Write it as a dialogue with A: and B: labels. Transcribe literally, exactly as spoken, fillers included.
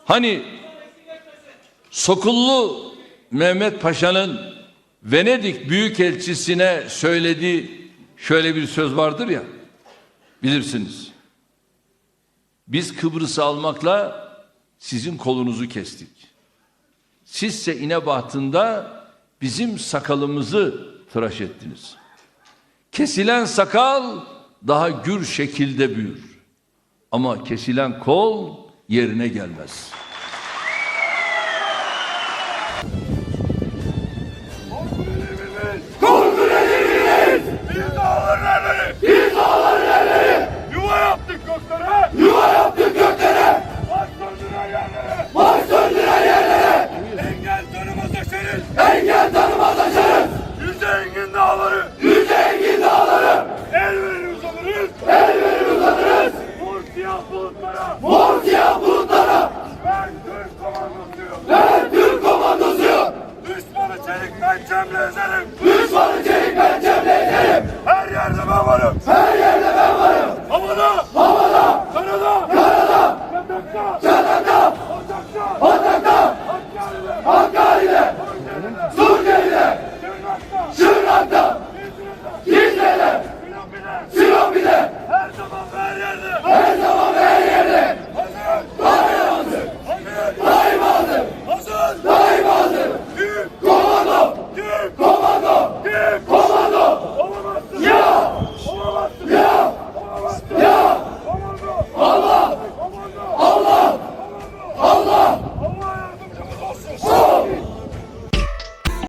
A: Hani Sokullu Mehmet Paşa'nın Venedik Büyükelçisi'ne söylediği şöyle bir söz vardır ya, bilirsiniz. Biz Kıbrıs'ı almakla sizin kolunuzu kestik. Sizse İnebatı'nda bizim sakalımızı tıraş ettiniz. Kesilen sakal daha gür şekilde büyür. Ama kesilen kol yerine gelmez.
B: Korku rejiminiz! Biz dağların erleri! Biz dağların erleri! Yuva yaptık göklere! Yuva yaptık göklere! Baş döndüren yerlere! Baş döndüren yerlere! Engel tanımaz aşarız! Engel tanımaz aşarız! Yüce engin dağları! Yüce engin dağları! El verir uzanırız! El verir uzanırız! Mor siyah bulutlara! Mor siyah bulutlara! Ben Türk komandosuyum! Ben Türk komandosuyum! Düşmanı çelik pençemle ezerim! Düşmanı çelik pençemle ezerim!